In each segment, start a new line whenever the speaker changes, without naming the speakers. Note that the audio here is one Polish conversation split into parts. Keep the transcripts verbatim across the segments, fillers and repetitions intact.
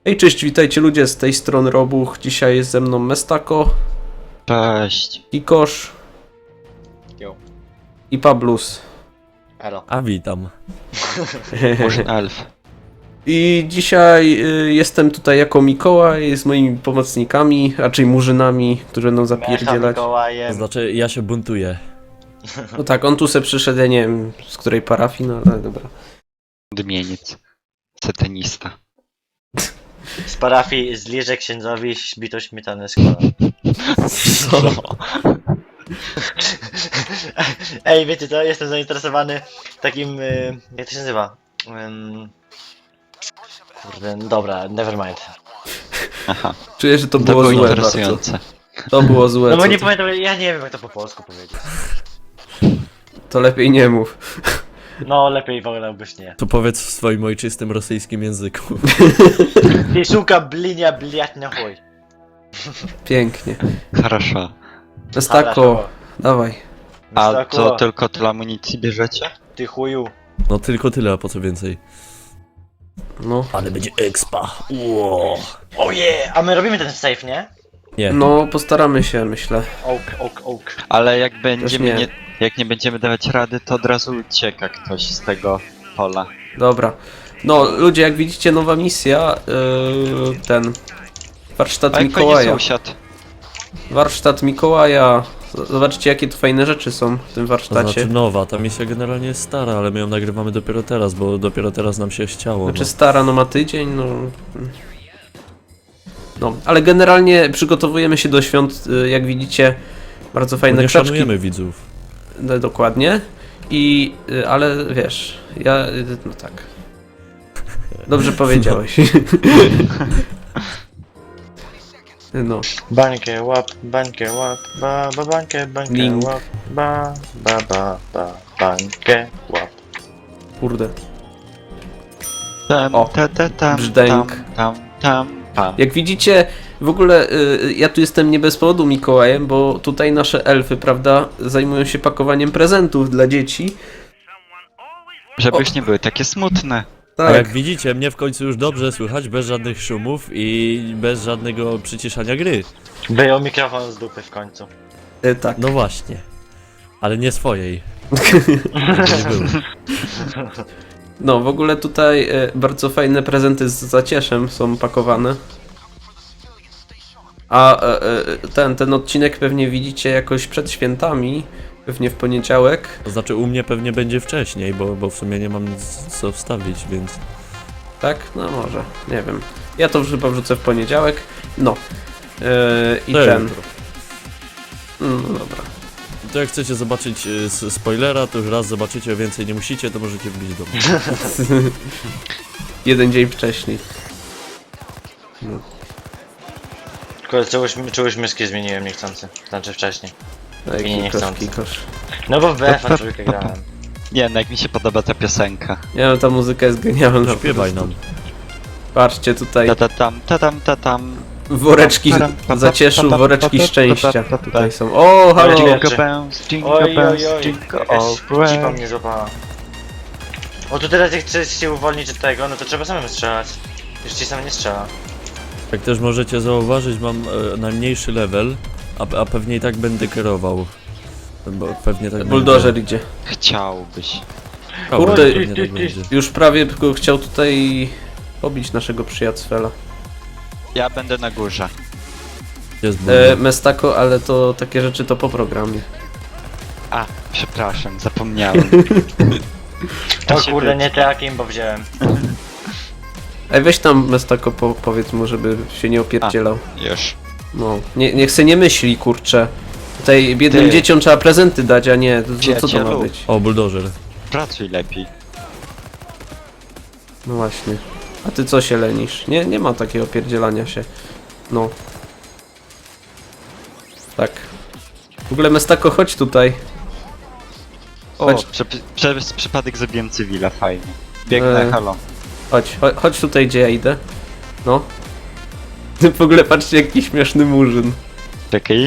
Hej, cześć, witajcie ludzie, z tej strony Robuch. Dzisiaj jest ze mną Mestako,
Cześć.
Kikosz
Jo.
i Pablus.
Elo.
A witam.
Murzyn elf.
I dzisiaj y, jestem tutaj jako Mikołaj z moimi pomocnikami, raczej murzynami, którzy będą zapierdzielać.
To
Mikołajem.
znaczy, ja się buntuję.
No tak, on tu se przyszedł, ja nie wiem z której parafii, no ale dobra.
Odmieniec. Satanista.
Z parafii zliżę księdzowi bito śmietanę z kolan.
Co?
Ej, wiecie co? Jestem zainteresowany takim... Y, jak to się nazywa? Ym... Kurde, no dobra, never mind.
Aha.
Czuję, że to
To
było,
było
złe
interesujące.
bardzo. To było złe,
No bo
co
nie
ty-
pamiętam, ja nie wiem jak to po polsku powiedzieć.
to lepiej nie mów.
No, lepiej wolałbyś nie.
To powiedz w swoim ojczystym rosyjskim języku.
Ty szuka blinia bliat na chuj.
Pięknie.
Хорошо.
Mestako, dawaj.
A
Mestako,
co, tylko tyle amunicji bierzecie?
Ty chuju.
No tylko tyle, a po co więcej?
No.
Ale będzie expa. Ło.
Oje! A my robimy ten safe, nie?
Nie.
No, postaramy się, myślę.
Oak, oak, oak.
Ale jak będziemy
nie.
nie. Jak nie będziemy dawać rady, to od razu ucieka ktoś z tego pola.
Dobra. No, ludzie, jak widzicie, nowa misja, yy, ten warsztat
A jak fajnie
Mikołaja.
sąsiad.
Warsztat Mikołaja. Z- Zobaczcie, jakie tu fajne rzeczy są w tym
To
warsztacie.
znaczy nowa, ta misja generalnie jest stara, ale my ją nagrywamy dopiero teraz, bo dopiero teraz nam się chciało.
Znaczy
No.
stara, no ma tydzień, no... No, ale generalnie przygotowujemy się do świąt, y, jak widzicie, bardzo
Bo
fajne
nie
krzaczki.
szanujemy widzów.
No, dokładnie. I, y, ale wiesz, ja, y, no tak. Dobrze powiedziałeś. No.
Bańkę łap, bańkę łap, ba, ba, bańkę, bańkę
Link.
łap, ba, ba, ba, ba, bańkę łap.
Kurde.
Tam,
O,
ta, ta, tam,
brzdęk.
tam, tam, tam, pam.
Jak widzicie, w ogóle y, ja tu jestem nie bez powodu Mikołajem, bo tutaj nasze elfy, prawda, zajmują się pakowaniem prezentów dla dzieci.
Żeby
O.
już nie były takie smutne.
A
Tak,
jak widzicie, mnie w końcu już dobrze słychać, bez żadnych szumów i bez żadnego przyciszania gry.
Wyjął mikrofon z dupy w końcu.
y, tak.
No właśnie. Ale nie swojej. To nie było.
No, w ogóle tutaj y, bardzo fajne prezenty z zacieszem są pakowane. A y, y, ten, ten odcinek pewnie widzicie jakoś przed świętami, pewnie w poniedziałek.
To znaczy u mnie pewnie będzie wcześniej, bo, bo w sumie nie mam nic co wstawić, więc...
Tak? No może, nie wiem. Ja to chyba wrzucę w poniedziałek. No. Yy, I
To
ten.
jutro.
No dobra.
To jak chcecie zobaczyć y, s- spoilera, to już raz zobaczycie, a więcej nie musicie, to możecie wbić do mnie.
Jeden dzień wcześniej.
Kurde, czegoś, czegoś myszki zmieniłem niechcący. Znaczy wcześniej.
No i
Nie, nie
kikosz,
chcący.
kikosz.
No bo w B F a trójkę grałem.
Nie, no jak mi się podoba ta piosenka.
Nie no, ta muzyka jest genialna. po
Śpiewaj
prostu.
nam.
Patrzcie tutaj.
Ta ta tam, ta tam, ta tam.
Woreczki zacieszu, woreczki szczęścia. Tutaj są. O, halo!
Jingle
Jingle bells, jingle
Oj, oj,
bells,
oj,
jingle
jakaś
all
cipa
the way.
mnie złapała. O, to teraz jak chcesz się uwolnić od tego, no to trzeba samemu strzelać. Już ci sam nie strzela.
Jak też możecie zauważyć, mam e, najmniejszy level, a, a pewnie i tak będę kierował. Bo pewnie tak
Buldożer idzie.
Chciałbyś.
będzie.
Kurde,
Pewnie tak będzie.
Już prawie tylko chciał tutaj pobić naszego przyjaciela.
Ja będę na górze.
Jest
E,
buldożer.
Mestako, ale to takie rzeczy to po programie.
A, przepraszam, zapomniałem.
O
się
kurde,
wy-
nie takim, bo wziąłem.
Ej, weź tam Mestako po, powiedz mu, żeby się nie opierdzielał.
Już.
No, nie, niech se nie myśli, kurczę. Tutaj biednym
Ty.
dzieciom trzeba prezenty dać, a nie, to, to, co to ma
Przyjacielu.
być?
O, buldożer.
Pracuj lepiej.
No właśnie. A ty co się lenisz? Nie, nie ma takiego opierdzielania się. No. Tak. W ogóle Mestako, chodź tutaj.
O,
Chodź.
prze, przez przypadek zabiłem cywila, fajnie. Biegnę,
E.
halo.
Chodź, chodź, chodź tutaj, gdzie ja idę. No. W ogóle patrzcie, jaki śmieszny murzyn.
Czekaj.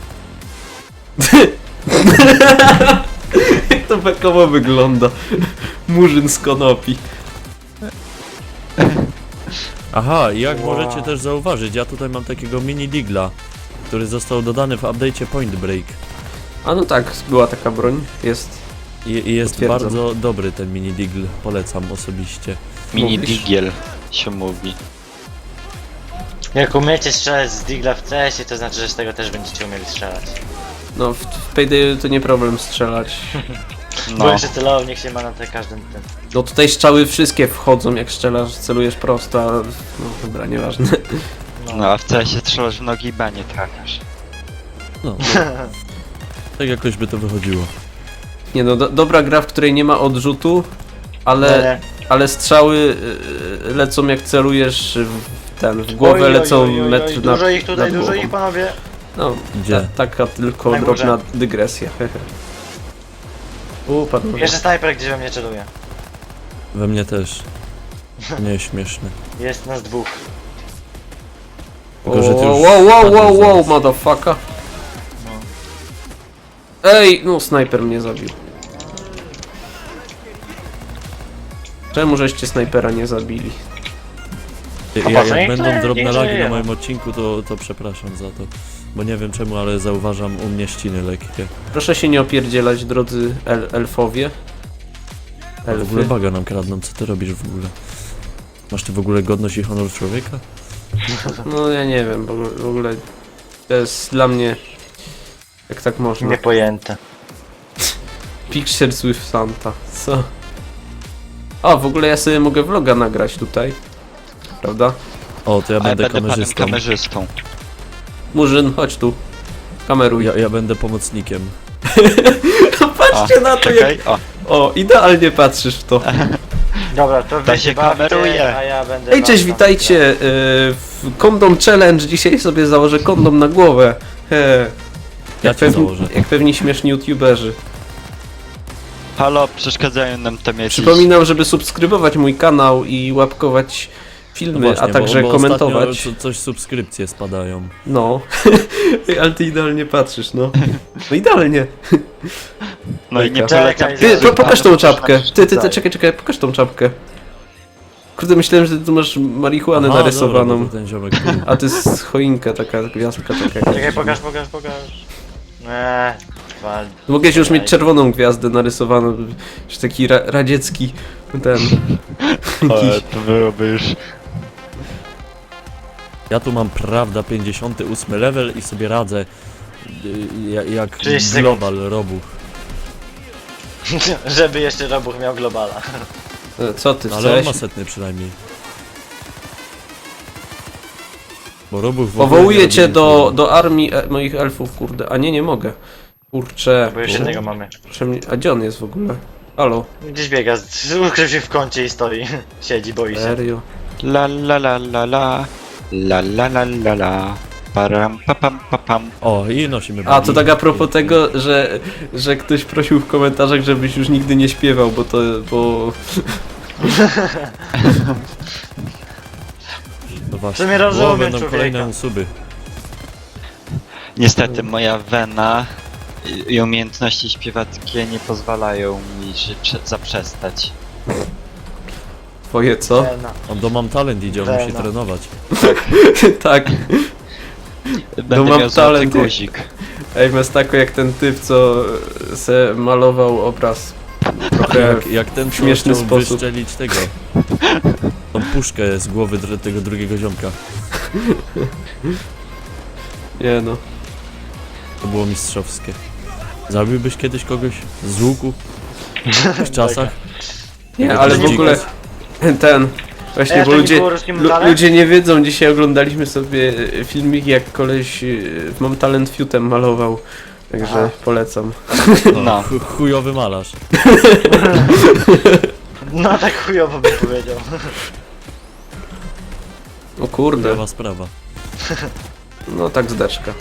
Jak to bekowo wygląda. Murzyn z konopi.
Aha, i jak
Wow.
możecie też zauważyć, ja tutaj mam takiego mini digla, który został dodany w update'cie Point Break.
A no tak, była taka broń, jest.
I, i jest
Potwierdzam.
bardzo dobry ten mini digl, polecam osobiście.
Mini
Mówisz?
digiel się mówi.
Jak umiecie strzelać z digla w C S-ie, to znaczy, że z tego też będziecie umieli strzelać.
No w, w Payday to nie problem strzelać.
Bo
No,
jeszcze celownik się ma na te każdym tym.
No tutaj strzały wszystkie wchodzą jak strzelasz, celujesz prosto, a... No dobra, nieważne.
no a w C S-ie strzelasz w nogi i B nie trafiasz.
No, to, tak jakoś by to wychodziło.
Nie no, do, dobra gra, w której nie ma odrzutu, ale,
Nie, nie.
ale strzały y, lecą jak celujesz w ten, w głowę
Oj, oj,
lecą
oj, oj, oj,
metr na
Dużo ich tutaj,
nad
dużo
głową.
ich, panowie.
No,
Gdzie?
ta, taka tylko
Na górze.
drobna dygresja, hehe. U, panowie.
Jeszcze snajper gdzieś we mnie celuje.
We mnie też. Nie śmieszne.
Jest nas dwóch.
Tylko, że ty już
Wow, wow, wow,
padłeś
wow, wow,
zaraz.
motherfucker. Ej, no snajper mnie zabił. Czemu żeście snajpera nie zabili?
Ja,
A
jak
patrz,
będą
nie,
drobne
nie
lagi na
żyje.
moim odcinku, to, to przepraszam za to. Bo nie wiem czemu, ale zauważam u mnie ściny lekkie.
Proszę się nie opierdzielać, drodzy el elfowie.
A w ogóle
Elfy.
baga nam kradną, co ty robisz w ogóle? Masz ty w ogóle godność i honor człowieka?
No ja nie wiem, bo w ogóle to jest dla mnie... Jak tak można?
Niepojęte.
Pictures with Santa, co? O, w ogóle ja sobie mogę vloga nagrać tutaj. Prawda?
O, to ja
A ja
będę
będę panem
kamerzystą.
kamerzystą.
Murzyn, chodź tu. Kameruj.
Ja, ja będę pomocnikiem.
Patrzcie na to, jak...
Czekaj, o,
O, idealnie patrzysz w to.
Dobra, to wy
się
się bawcie,
kameruje.
a ja będę...
Ej,
was
cześć,
tam
witajcie yy, w Kondom Challenge. Dzisiaj sobie założę kondom na głowę. He.
Ja
Jak,
cię
pewni,
założę.
jak pewni śmieszni youtuberzy.
halo, przeszkadzają nam tam jakieś...
Przypominam, żeby subskrybować mój kanał i łapkować filmy,
No właśnie,
a także
bo, bo
komentować.
ostatnio co, coś subskrypcje spadają.
No, Ej, ale ty idealnie patrzysz, no. No idealnie.
No i nie
Czekaj,
polecam...
Ty, po, pokaż tą
Proszę
czapkę.
nam
Ty, ty, ty,
przeszkadzać.
czekaj, czekaj, pokaż tą czapkę. Kurde, myślałem, że ty tu masz marihuanę
Aha,
narysowaną.
Dobra, bo ten ziomek tu.
A to jest choinka, taka gwiazdka taka.
Czekaj, pokaż, pokaż, pokaż. Eee, wal.
Mogłeś już mieć czerwoną gwiazdę narysowaną, że taki ra radziecki ten.
Ale to byłoby już...
Ja tu mam, prawda, pięćdziesiąty ósmy level i sobie radzę y, ja- jak
trzydzieści sekund.
global robuch.
Żeby jeszcze Robuch miał globala.
E, Co ty
No, ale on
chcesz?
ma setny przynajmniej. Bo robuch w ogóle nie
Powołuję
robi
cię
nic
do,
złego.
do armii e moich elfów, kurde. A nie, nie mogę. Kurczę.
Bo już jednego mamy.
Czemu- A gdzie on jest w ogóle? Halo?
Gdzieś biega, z- ukrył się w kącie i stoi. Siedzi, boi się.
Serio?
La la la la la... La la la la la... Param pa pam pa pam.
O, i nosimy
A, to
bugi.
tak a propos tego, że, że ktoś prosił w komentarzach, żebyś już nigdy nie śpiewał, bo to, bo...
No
W
właśnie,
sumie
bo
rozumiem
będą
człowieka.
kolejne usuby.
Niestety moja wena i- i umiejętności śpiewackie nie pozwalają mi się prze- zaprzestać.
Twoje co?
Eee, no.
On do mam talent idzie, on
Wena.
musi trenować.
Tak.
Będę
mam
miał złoty
talent.
guzik.
Ej, Mestako jak ten typ, co se malował obraz. Trochę...
Jak, jak ten, co
śmieszny
chciał
sposób.
wyszczelić tego. Tą puszkę z głowy dr- tego drugiego ziomka.
Nie no.
To było mistrzowskie. Zabiłbyś kiedyś kogoś z łuku? W tych czasach?
Nie,
Jak
ale w
dziki.
ogóle ten... Właśnie,
Ej, a
bo
to nie
ludzie,
było ruskim
lu,
talent?
ludzie nie wiedzą, dzisiaj oglądaliśmy sobie e, filmik, jak koleś e, w Mam Talent Fiutem malował. Także
Aha.
polecam.
No.
Chu- chujowy malarz.
No tak chujowo bym powiedział.
O kurde,
Chujowa sprawa.
no tak zdeczka.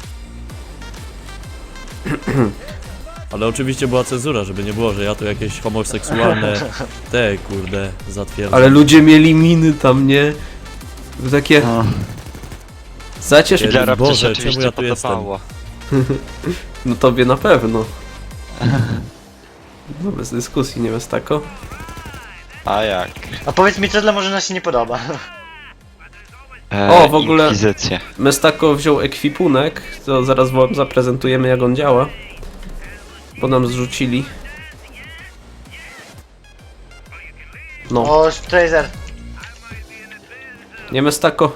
Ale oczywiście była cenzura, żeby nie było, że ja tu jakieś homoseksualne te kurde zatwierdzam.
Ale ludzie mieli miny tam, nie? To takie...
No.
Zacież...
Kiedy-
Dla Robcy
Boże,
się oczywiście
czemu ja tu jestem?
podobało.
No tobie na pewno. No bez dyskusji, nie Mestako?
A jak?
A powiedz mi, co dla może nas się nie podoba.
e,
O, w ogóle-
Inkwizycję.
Mestako wziął ekwipunek, to zaraz wam zaprezentujemy jak on działa. Bo nam zrzucili. No,
O, Tracer.
nie Mestako.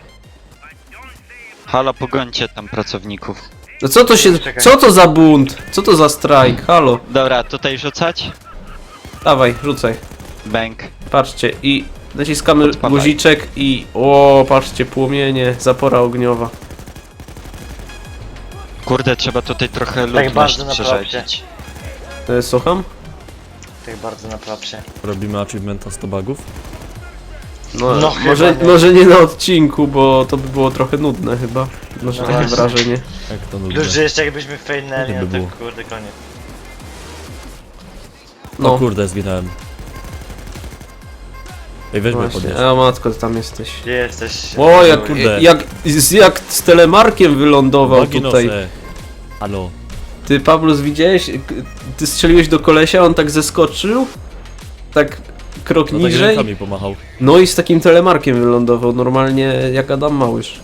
Halo, pogońcie tam pracowników.
No co to się...
Czekaj.
Co to za bunt? Co to za strajk? Halo.
Dobra, tutaj rzucać?
Dawaj, rzucaj.
Bęk.
Patrzcie i naciskamy
Odpalaj.
guziczek i... O, patrzcie, płomienie, zapora ogniowa.
Kurde, trzeba tutaj trochę ludność
bardzo na
przerzedzić.
E, słucham?
Tak bardzo na propsie.
Robimy achievementa sto bugów.
No,
No
może,
chyba nie.
może nie na odcinku, bo to by było trochę nudne chyba. Może
No
takie
właśnie.
wrażenie.
Jak to nudne.
Dużo jeszcze jakbyśmy failnęli,
Gdyby
no
było.
to kurde koniec.
O
No,
kurde, zginąłem. Ej, weź mnie
właśnie.
podnieść.
O matko, ty tam jesteś.
Gdzie jesteś?
O, jak,
Kurde.
jak, z- jak z telemarkiem wylądował
Nogi
tutaj.
noszę. Halo.
Ty, Pablus, widziałeś? K- Ty strzeliłeś do kolesia, on tak zeskoczył. Tak krok
No tak
niżej.
rękami pomachał.
No i z takim telemarkiem wylądował, normalnie jak Adam Małysz.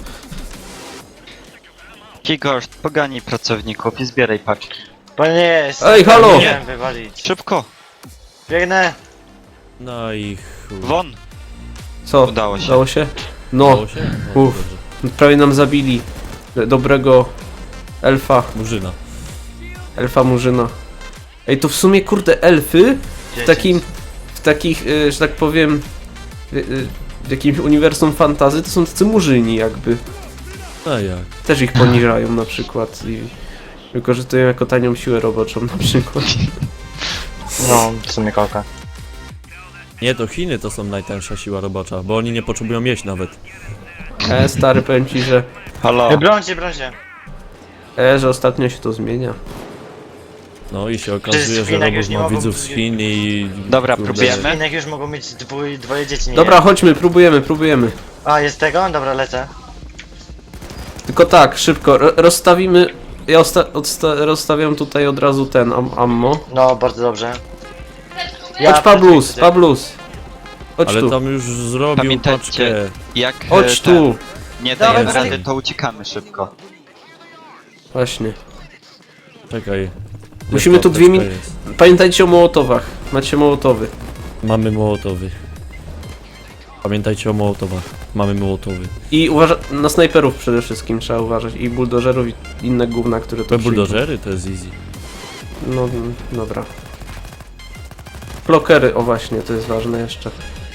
Kigoszt, poganij pracowników i zbieraj paczki.
Bo nie jest.
Ej, halo!
Nie wiem wywalić.
Szybko!
Biegnę!
No i chuj.
Won!
Co?
Udało się.
Udało się? No,
Udało się? No,
Uff.
dobrze.
prawie nam zabili dobrego elfa,
Murzyna.
elfa murzyna. Ej, to w sumie kurde elfy w takim, w takich, y, że tak powiem, y, y, w jakimś uniwersum fantazy to są tacy murzyni jakby.
A jak?
Też ich poniżają na przykład i wykorzystują jako tanią siłę roboczą na przykład.
No, w sumie koka.
Nie, to Chiny to są najtańsza siła robocza, bo oni nie potrzebują jeść nawet.
E, stary, powiem ci, że,
Halo!
Brońcie, brońcie!
e, że ostatnio się to zmienia.
No i się okazuje,
w
że
Chinach
robot
już nie
ma
mogą-
widzów z Chin i...
Dobra,
kurde,
próbujemy?
Innych już mogą mieć dwój, dwoje dzieci, nie
Dobra,
jeden.
chodźmy, próbujemy, próbujemy.
A, jest tego? Dobra, lecę.
Tylko tak, szybko, ro- rozstawimy. Ja osta- odsta- rozstawiam tutaj od razu ten am ammo.
No, bardzo dobrze.
Chodź Pablus,
pracuję.
Pablus. Chodź
Ale
tu,
tam już zrobił
Pamiętajcie,
paczkę.
Jak e,
chodź
ten,
tu.
nie
Dawaj,
dajemy
dawaj.
rady, to uciekamy szybko.
Właśnie.
Czekaj.
Musimy
Jest
tu dwie
apteczka
min-
jest.
Pamiętajcie o mołotowach. Macie mołotowy.
Mamy mołotowy. Pamiętajcie o mołotowach. Mamy mołotowy.
I uważa- na snajperów przede wszystkim trzeba uważać. I buldożerów i inne gówna, które to
Te
przyjdą.
buldożery to jest easy.
No, mm, dobra. Klokery, o właśnie, to jest ważne jeszcze.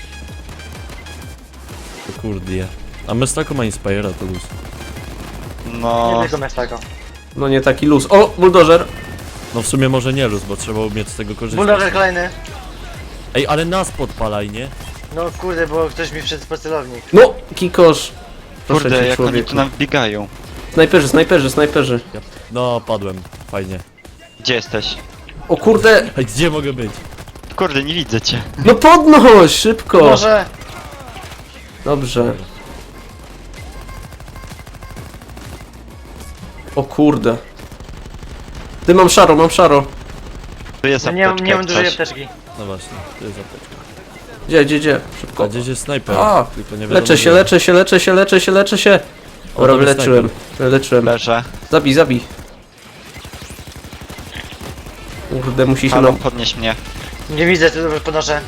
To kurde. A Mestako ma Inspire'a, to luz.
No,
Nie tylko tego.
No nie taki luz. O, buldożer!
No w sumie może nie luz, bo trzeba umieć z tego korzystać.
Buldożer kolejny.
Ej, ale nas podpalaj, nie?
No kurde, bo ktoś mi wszedł po celownik.
No, kikosz! Proszę
kurde,
cię,
jak oni
człowieku.
tu nam wbiegają.
Snajperzy, snajperzy, snajperzy.
Ja... No, padłem. Fajnie.
Gdzie jesteś?
O kurde!
Ej, gdzie mogę być?
Kurde, nie widzę cię.
No podnoś, szybko!
Może!
Dobrze. O kurde. Ty, mam szaro, mam szaro.
Tu jest
No nie, mam-
apteczka,
nie mam
jak
dużej
coś.
apteczki.
No właśnie, to jest apteczka.
Gdzie, gdzie, gdzie?
A
Szybko.
gdzieś jest snajper.
A,
tylko nie wiadomo
Leczę się,
gdzie.
leczę się, leczę się, leczę się, leczę się.
O,
Dobra,
tam jest
wyleczyłem. Leczyłem.
Leżę.
Zabij, zabij. Kurde, musi się
Halo,
nam...
podnieś mnie.
Nie widzę, tu dobrze podnoszę.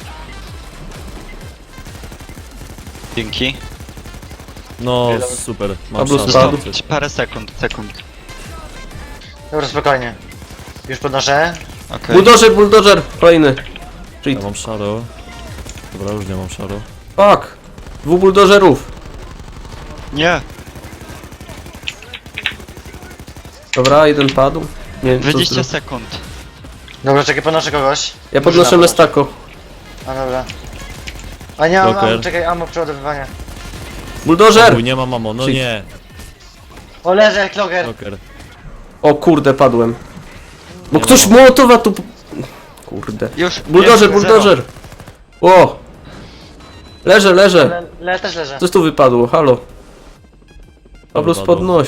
Dzięki.
No,
Wiele-
super. Mam
Pablus
szansę.
spadł.
Zostało parę sekund, sekund.
Dobra, spokojnie. Już podnoszę.
Okej.
Buldożer, buldożer! Kolejny.
Ja mam szaro. Dobra, już nie mam szaro.
Fuck! Dwóch buldożerów.
Nie,
Dobra, jeden padł. Nie wiem, co
dwadzieścia
zro-
sekund.
Dobra, czekaj, podnoszę kogoś.
Ja
Może
podnoszę
na-
mestako.
A dobra. A nie mam,
Joker.
am, czekaj, ammo przeładowywania.
Buldożer!
Uj, nie ma mamo, no
Czyli-
nie.
O, leżę, kloger.
Joker.
O kurde, padłem. Bo
Nie
ktoś
ma.
mołotowa tu... Kurde.
Już.
Buldożer,
jest,
buldożer! O! Leżę, leżę.
Le, le, też leżę.
Coś tu wypadło, halo. Pablus,
Wypadło.
podnoś.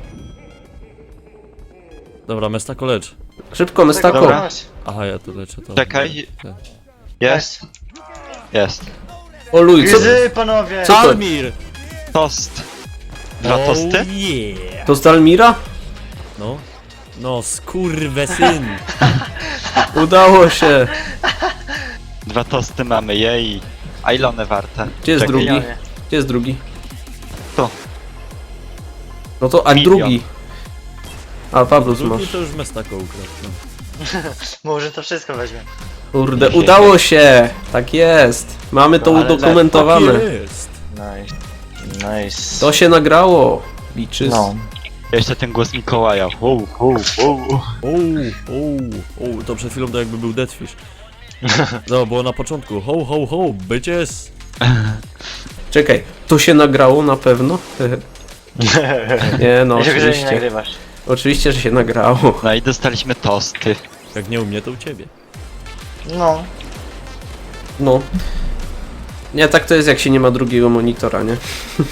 Dobra, Mestako lecz.
Szybko, mestako.
Dobra.
Podnoś.
Aha, ja tu leczę to.
Czekaj.
Tak.
Jest, jest.
O luj, co...
Gryzy, panowie!
Co to?
Almir!
Tost. Dwa tosty?
Oh yeah.
To z Almira?
No. No, skurwesyn.
Udało się.
Dwa tosty mamy, jej. A ile one warte?
Gdzie jest
Czekaj,
drugi?
Milionie.
Gdzie jest drugi?
To.
No to, a
Milion.
drugi. A, Pawlus
Drugi
masz.
to już Mestako ukradł. No.
Może to wszystko weźmie.
Kurde, udało się! Tak jest! Mamy to
No, ale
udokumentowane.
Tak jest.
Nice. Nice.
To się nagrało. Liczy.
No.
Jeszcze ten głos Mikołaja. Wow, wow, wow.
O, o, o, to przed chwilą to jakby był Deathfish. No, było na początku. Ho, ho, ho, bitches.
Czekaj, to się nagrało na pewno? Nie no,
Ja się, że nie
oczywiście.
nagrywasz.
Oczywiście, że się nagrało.
No i dostaliśmy tosty.
Jak nie u mnie, to u ciebie.
No.
No. Nie, tak to jest jak się nie ma drugiego monitora, nie?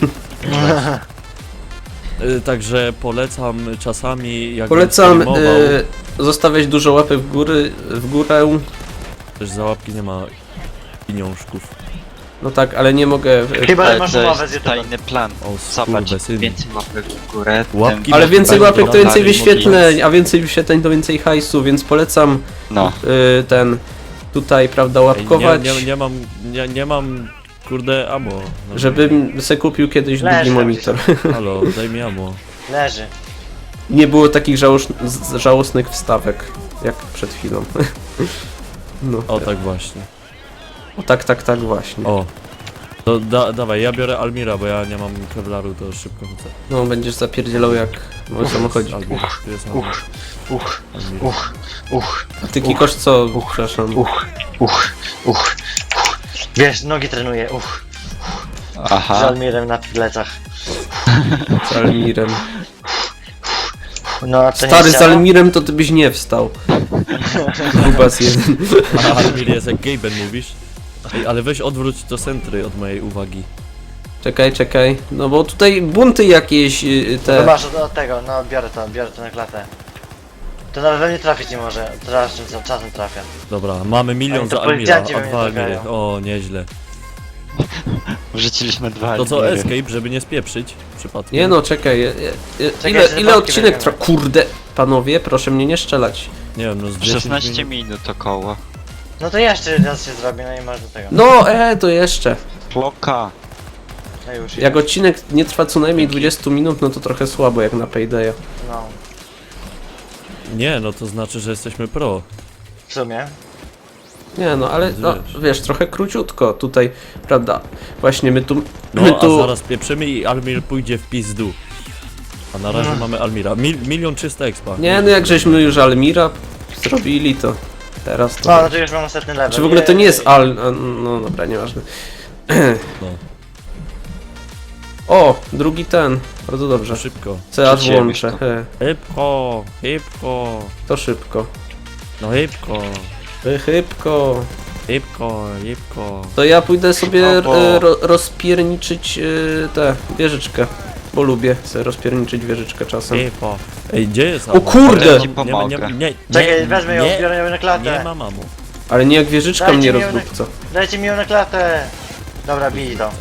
Y, Także polecam czasami, jak
Polecam
streamował,
y, zostawiać dużo łapek w góry, w górę.
też za łapki nie ma pieniążków.
No tak, ale nie mogę. y,
Chyba, że
Ale
masz
to
umowę z
jest
YouTube.
tajny plan.
O,
Zobacz,
skurwesyn.
więcej łapek w górę.
Łapki
tym
Ale
Może
więcej
będzie
łapek to więcej
dalej
wyświetleń, a więcej wyświetleń to więcej hajsu, więc polecam
No.
y, ten tutaj, prawda,
Ej,
łapkować,
Nie, nie, nie mam, nie, nie mam, kurde, amo. No,
żebym se kupił kiedyś
Leży
drugi
tam
monitor.
Halo, daj mi amo.
Leży.
Nie było takich żałosz, z- żałosnych wstawek, jak przed chwilą. No,
O, tak właśnie.
o tak, tak, tak właśnie.
O. To da, dawaj, ja biorę Almira, bo ja nie mam kevlaru, to szybko chcę.
No, będziesz zapierdzielał jak mój samochodzik.
Almir, tu jest Almir.
Uch, uch,
Almir.
uch, uch,
A ty Kikosz co? Przepraszam.
uch, uch, uch, uch. Wiesz, nogi trenuję, uch. Z
Aha.
Almirem na plecach.
Z Almirem.
No, a to
Stary
nie
z
chciało?
Almirem to ty byś nie wstał. Grubas jeden.
A Almir jest jak Gaben mówisz? Ej, ale weź odwróć to centry od mojej uwagi.
Czekaj, czekaj. No bo tutaj bunty jakieś y,
No
te.
masz od, od tego, no biorę to, biorę to na klatę. To nawet we mnie trafić nie może, teraz czym- czasem trafia.
Dobra, mamy milion
Ale to
za Almira,
policjanci
a
we mnie
dwa Almiry.
trafiają.
O, nieźle.
Wrzuciliśmy dwa
To co,
Almiry.
escape, żeby nie spieprzyć przypadkiem?
Nie no, czekaj. je- je- je-
Czekaj,
Ile,
że
ile
babki
odcinek
weźmiemy.
trwa? Kurde, panowie, proszę mnie nie strzelać.
Nie wiem, no z dziesięć
szesnaście
minut.
minut około.
No to jeszcze raz się zrobi, no i masz do tego.
No, e, to jeszcze.
Kloka.
No już.
Jak odcinek nie trwa co najmniej dwadzieścia minut, no to trochę słabo jak na Paydaya.
No,
Nie, no to znaczy, że jesteśmy pro.
w sumie.
Nie no, ale no,
Wiesz.
wiesz, trochę króciutko tutaj, prawda? Właśnie my tu.
No,
my
a
tu
zaraz pieprzymy i Almir pójdzie w pizdu. A na razie mamy Almira. Mil, milion trzysta expa.
Nie no, jak żeśmy już Almira zrobili, to teraz to.
No, no to już mam następny level.
Czy w ogóle to nie
Jej.
jest Al. a, No dobra, nieważne.
No,
O, drugi ten. Bardzo dobrze.
to szybko.
Co aż
Przecięłeś
włączę.
to.
He,
Szybko, szybko.
to szybko.
No szybko,
He, Chybko.
szybko, szybko.
To ja pójdę sobie
Szybko.
e, ro, rozpierniczyć e, tę wieżyczkę. Bo lubię sobie rozpierniczyć wieżyczkę czasem.
Szybko. Ej, gdzie jest
O
Amo?
kurde!
Ja ci
Nie, ma- nie,
pomogę.
nie, nie,
Czekaj,
nie,
wezmę ją,
nie,
biorę ją na
nie
klatę.
ma mamu.
Ale nie jak wieżyczka
Dajcie
mnie
mi ją na-
rozdupca.
Dajcie mi ją na klatę. Dobra, bij to.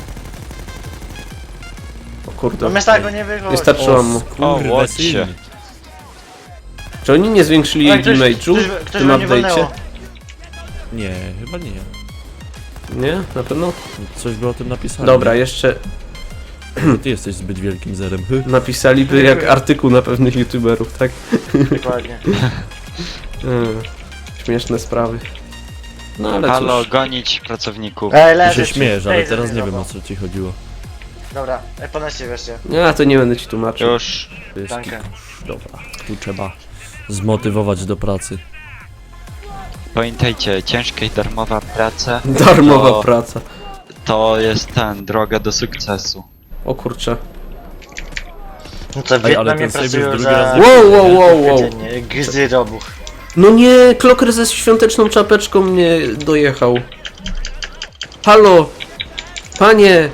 O kurde.
No my z tego nie wychodzi.
Wystarczyło mu.
O,
Kurwa,
łodzie.
syn.
Czy oni nie zwiększyli
Ej, ktoś-
damage'u
ktoś-
w
ktoś
tym
we mnie
update'cie?
walnęło.
Nie, chyba nie.
Nie? Na pewno?
Coś było o tym napisane.
Dobra, jeszcze
Ty jesteś zbyt wielkim zerem. Hy.
napisaliby jak artykuł na pewnych youtuberów, tak?
Dokładnie.
Mm, Śmieszne sprawy. No ale
Halo,
cóż.
gonić pracowników.
Ej,
Ty
leży.
się śmiejesz, ale
Ej,
teraz
zabij
nie wiem,
go.
o co ci chodziło.
Dobra, ej, ponoście wreszcie.
Ja to nie będę ci tłumaczył.
Już.
To jest
Dankę.
kikusz. Dobra, tu trzeba zmotywować do pracy.
Pamiętajcie, ciężka i darmowa praca
Darmowa
to,
praca.
to jest ten, droga do sukcesu.
O kurczę.
No to w
Ej, ale
Wietnamie
ten save już
pracują
drugi
za...
raz nie
Wow, wow, wow, wow.
Codziennie, gzy robuch.
No nie, kloker ze świąteczną czapeczką mnie dojechał. Halo! Panie!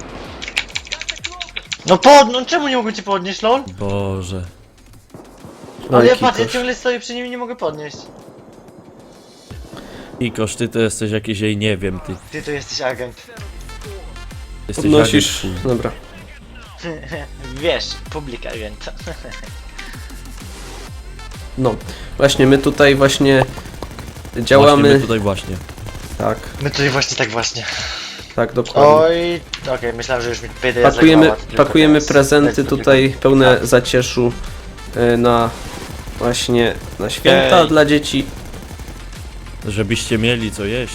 No pod, no czemu nie mogę cię podnieść, lol?
Boże.
Ale ja
Oj,
patrz, ja
Kikosz.
ciągle stoję przy nim i nie mogę podnieść.
Ikosz, ty to jesteś jakiś, jej nie wiem, ty.
Ty to jesteś agent.
Jesteś
Podnosisz.
agent,
Dobra.
Wiesz, publika więc.
No, właśnie my tutaj właśnie
Właśnie
działamy.
my tutaj właśnie.
Tak,
My tutaj właśnie tak właśnie.
tak, dokładnie.
Oj, okej, myślałem, że już mi pyta
Pakujemy, pakujemy prezenty tutaj pełne
Tak.
zacieszu y, na właśnie na święta
Ej.
dla dzieci.
Żebyście mieli co jeść.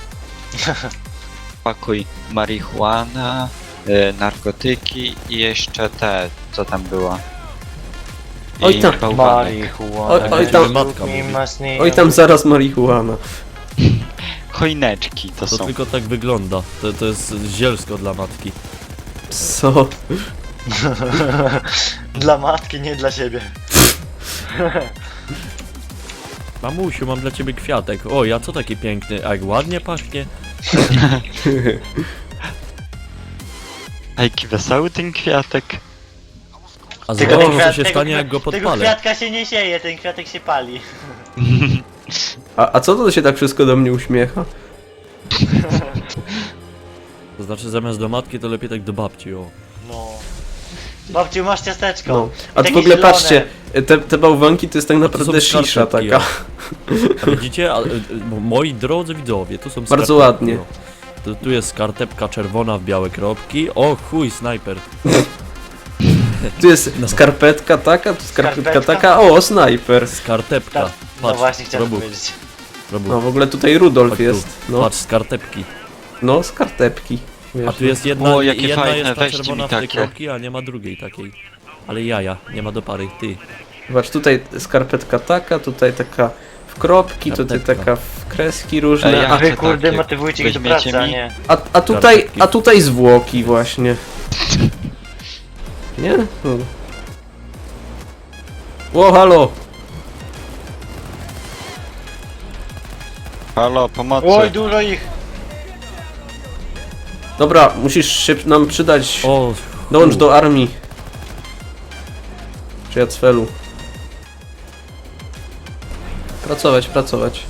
Pakuj marihuana, y, narkotyki i jeszcze te, co tam było. I
Oj tam.
bałwanek.
Marihuana.
Oj- oj tam-
Matka mówi.
Oj tam zaraz marihuana.
Chojneczki to
To
są.
tylko tak wygląda. To, to jest zielsko dla matki.
Co?
Dla matki, nie dla siebie.
Mamusiu, mam dla ciebie kwiatek. O, ja co taki piękny, a jak ładnie pachnie.
A jaki wesoły ten kwiatek.
A
Tylko
zobacz,
ten
co
kwiat-
się
tego
stanie,
kwi-
jak go
Tego
podpalę.
kwiatka się nie sieje, ten kwiatek się pali.
A, a co to się tak wszystko do mnie uśmiecha?
To znaczy, zamiast do matki, to lepiej tak do babci, o.
No. Babciu, masz ciasteczko.
No.
I
A tu
takie
w ogóle
zielone.
patrzcie, te, te bałwanki to jest tak
to
naprawdę
są
szisza
skarpetki,
taka.
A widzicie? A, e, e, moi drodzy widzowie, tu są
Bardzo
skarpetki,
ładnie.
o. Tu, tu jest skarpetka czerwona w białe kropki. O chuj, snajper.
Tu jest
No.
skarpetka taka, tu skarpetka
Skarpetka?
taka, o, snajper.
Skarpepka.
Tak. No
Patrz,
właśnie chciałem
Robu,
powiedzieć.
Robu.
No w ogóle tutaj Rudolf
Chodź tu.
jest. No,
Patrz, skarpetki.
no skarpetki. Wiesz,
A tu jest jedna,
O, jakie
jedna
fajne,
jest ta
weźcie
czerwona
mi
w tej
takie.
kropki, a nie ma drugiej takiej. Ale jaja, nie ma do pary, ty.
Zobacz, tutaj skarpetka taka, tutaj taka w kropki, tutaj
Skarpetka.
taka w kreski
Ej,
różne,
ja
a,
Wy
chcę
kurde
takie.
motywujcie ich do
Weźmiecie
pracy, a
mi?
nie.
a, a tutaj,
Skarpetki.
a tutaj zwłoki właśnie. Nie? Hmm. Ło, halo!
Halo, pomocy.
Oj, dużo ich.
Dobra, musisz się nam przydać.
O,
Dołącz
chu.
do armii. Czy ja cfelu. Pracować, pracować.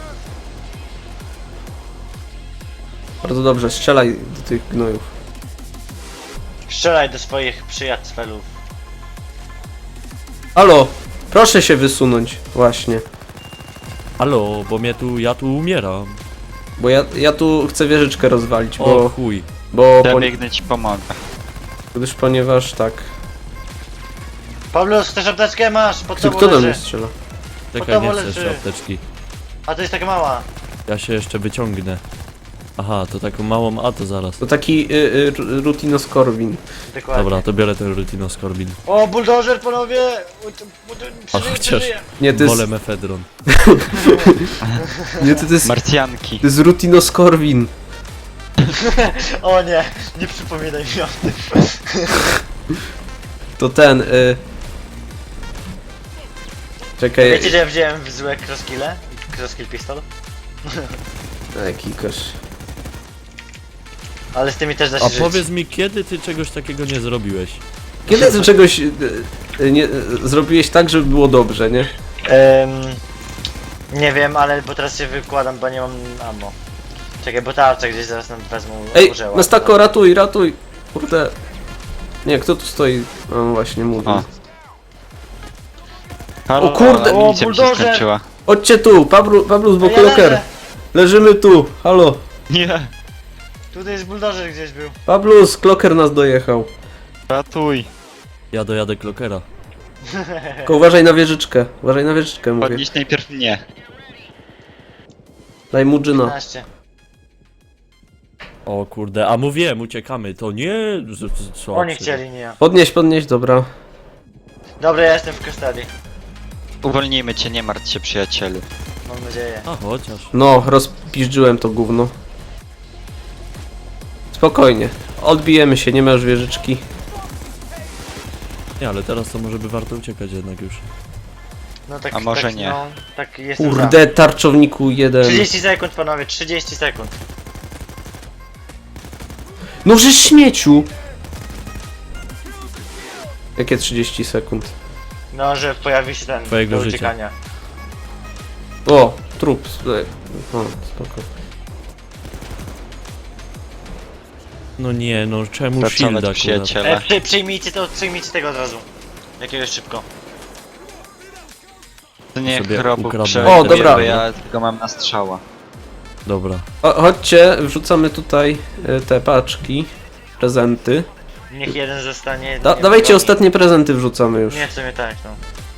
Bardzo dobrze, strzelaj do tych gnojów.
Strzelaj do swoich przyjaciół.
Halo! Proszę się wysunąć, właśnie.
Halo, bo mnie tu, ja tu umieram.
Bo ja, ja tu chcę wieżyczkę rozwalić,
O
bo...
chuj.
Bo...
Ja
Po,
biegnę ci pomogę.
gdyż ponieważ tak...
Pawlus, chcesz apteczkę? Masz, pod
Kto,
tobą
kto do mnie
leży.
strzela?
Czekaj, nie
to
chcę
leży.
jeszcze apteczki.
A to jest taka mała.
Ja się jeszcze wyciągnę. Aha, to taką małą, a to zaraz.
To taki y, y, rutinoskorbin.
Dokładnie.
Dobra, to biorę ten rutinoskorbin.
O, buldożer, panowie! Uj, to- bu- to-
A
Przeżyję,
chociaż
przeżyję.
Nie, to jest...
wolę mefedron.
Nie, to, to jest...
Marcjanki.
To jest rutinoskorbin.
O nie, nie przypominaj mi o tym.
To ten... Y... Czekaj...
Wiecie, że ja wziąłem w złe crosskille? Crosskill pistol?
Jaki kosz...
Ale z tymi też da się
A
żyć.
powiedz mi, kiedy ty czegoś takiego nie zrobiłeś?
Kiedy ty czegoś y, y, nie, y, zrobiłeś tak, żeby było dobrze, nie?
Em, nie wiem, ale bo teraz się wykładam, bo nie mam ammo. Czekaj, bo tarczę gdzieś zaraz nam wezmą.
Ej,
użyła.
Mastako, ratuj, ratuj! Kurde... Nie, kto tu stoi? No właśnie, mówię.
O. Halo,
O kurde,
ale amunicja
o,
mi się
buldożer.
skończyła.
Chodźcie tu, Pablu, Pablu z
Ej, ja
Bokoloker.
leżę.
Leżymy tu, halo.
Nie,
Tutaj jest buldożer gdzieś był.
Pablus, Kloker nas dojechał.
ratuj.
Ja dojadę klokera.
Tylko uważaj na wieżyczkę, uważaj na wieżyczkę, mówię.
Podnieś najpierw mnie.
Daj mu dżyna.
piętnaście.
O kurde, a mówiłem, uciekamy, to nie... z- z- Co?
Oni
ty?
chcieli, nie ja.
Podnieś, podnieś, dobra.
Dobra, ja jestem w custody.
Uwolnijmy cię, nie martw się przyjacielu.
Mam nadzieję.
A chociaż.
No, rozpiżdżyłem to gówno. Spokojnie, odbijemy się, nie ma już wieżyczki.
Nie, ale teraz to może by warto uciekać jednak już.
No tak,
A może
tak,
nie.
No, tak jestem
Kurde, tarczowniku jeden.
za. trzydzieści sekund, panowie, trzydzieści sekund.
No żeś śmieciu! Jakie trzydzieści sekund?
No, że pojawi się ten
Twojego
do
życia.
uciekania.
O, trup. O, spoko.
No nie, no czemu
Pracować,
shielda akurat?
przyjaciele.
E, przy, przyjmijcie to, przyjmijcie tego od razu. Jakiegoś szybko.
To niech
Sobie
Robuch
ukradnę.
przejdzie,
O, dobra.
bo ja tylko mam na strzała.
Dobra.
O, chodźcie, wrzucamy tutaj y, te paczki, prezenty.
Niech jeden zostanie.
Da,
nie
dawajcie
wiem,
ostatnie prezenty wrzucamy już.
Nie, w sumie tak, no.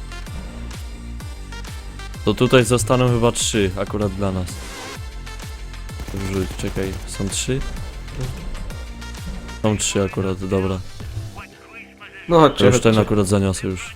To tutaj zostaną chyba trzy akurat dla nas. Wrzuć, czekaj, są trzy? Są trzy akurat, dobra.
No
To
chodźcie,
już ten
chodźcie.
akurat zaniosę już.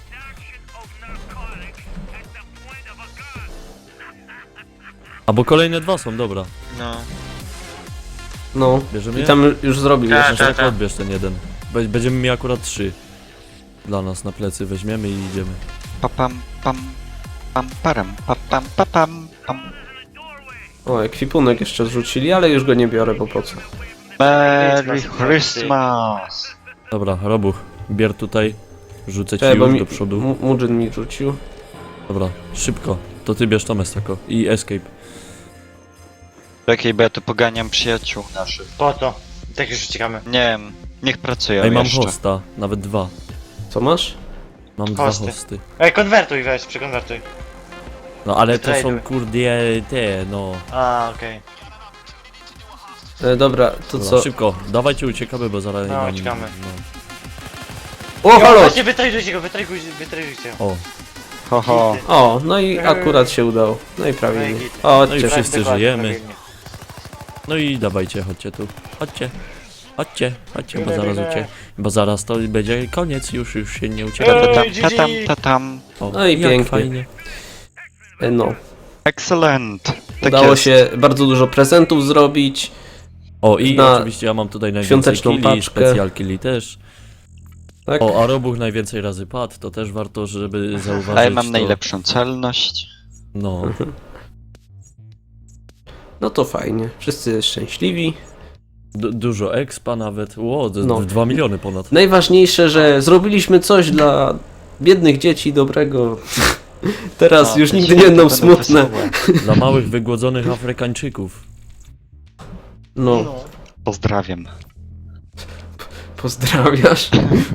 A bo kolejne dwa są, dobra.
No.
No,
Bierzemy
i
je?
tam już zrobił
Tak,
jeszcze.
Tak,
tak.
odbierz ten jeden. Be- Będziemy mieli akurat trzy. Dla nas na plecy weźmiemy i idziemy.
Papam, pam, pam, param, papam, papam, pam.
O, ekwipunek jeszcze zrzucili, ale już go nie biorę, bo po co?
Merry Christmas!
Dobra, Robuch, bier tutaj. Rzucę ci
Czekaj, bo
już
mi,
do przodu.
Mu- Mudzyn mi rzucił.
Dobra, szybko. To ty bierz to Mestako. I escape.
Czekaj, bo ja tu poganiam przyjaciół naszych.
Po co? Tak już uciekamy.
Nie wiem, niech pracują
Ej, mam
jeszcze.
hosta, nawet dwa.
Co masz?
Mam dwa
Hosty.
hosty.
Ej, konwertuj, weź, przekonwertuj.
No ale to są
Wytraduj.
kurde te, no.
A, okej.
E, dobra, to
Dobra,
co?
szybko, dawajcie uciekamy, bo zaraz
No,
nam-
uciekamy.
No.
O,
Okay.
halo!
Właśnie, wytrajujcie go, wytrajujcie, wytrajujcie.
O,
Ho, ho.
O, no i akurat się udało. No i prawie.
No i
nie.
git.
O,
No i
chodźcie.
wszyscy
Dokładnie,
żyjemy.
prawie nie.
no i dawajcie, chodźcie tu. Chodźcie. Chodźcie, chodźcie, bo
Biegnę,
zaraz
biegnę.
ucie... Bo zaraz to będzie koniec, już, już się nie ucieka.
Ej,
Tatam,
G G.
tatam, tatam.
O,
No i
jak
pięknie.
fajnie.
E, No,
Excellent. Tak
udało
jest.
się bardzo dużo prezentów zrobić.
O i
Na
oczywiście ja mam tutaj najwięcej
świąteczną
killi,
paczkę.
specjal killi też.
Tak?
O, a Robuch najwięcej razy padł, to też warto, żeby zauważyć.
A ja mam
to.
najlepszą celność.
No,
No to fajnie. Wszyscy szczęśliwi.
du dużo expa nawet. Ło, d-
No.
dwa miliony ponad.
Najważniejsze, że zrobiliśmy coś dla biednych dzieci dobrego. Teraz
A,
już
te
nigdy nie
święta
będą
będą
smutne.
wesołe.
Dla małych, wygłodzonych Afrykańczyków.
No,
No.
Pozdrawiam.
pozdrawiasz.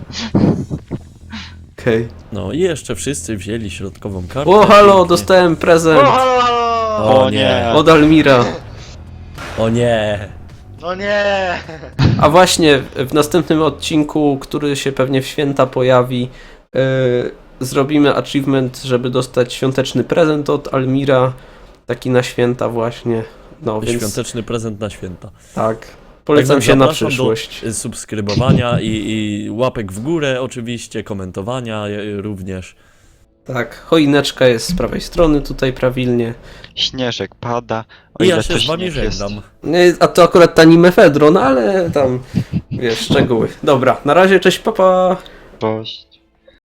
Okej.
No i jeszcze wszyscy wzięli środkową kartę.
O, halo,
pięknie.
dostałem
O,
prezent
halo, halo!
O nie.
od Almira.
O nie.
No nie!
A właśnie w następnym odcinku, który się pewnie w święta pojawi, yy, zrobimy achievement, żeby dostać świąteczny prezent od Almira. Taki na święta właśnie. No więc
Świąteczny prezent na święta.
tak. Polecam
Także
się na
zapraszam
przyszłość.
Do subskrybowania i, i łapek w górę oczywiście, komentowania e, również.
Tak, choineczka jest z prawej strony tutaj prawilnie.
Śnieżek pada. O
I
ile
ja się
to
z wami
śnieg jest.
żegnam.
Nie, a to akurat tani mefedron, ale tam wiesz, szczegóły. Dobra, na razie, cześć, papa.
Cześć.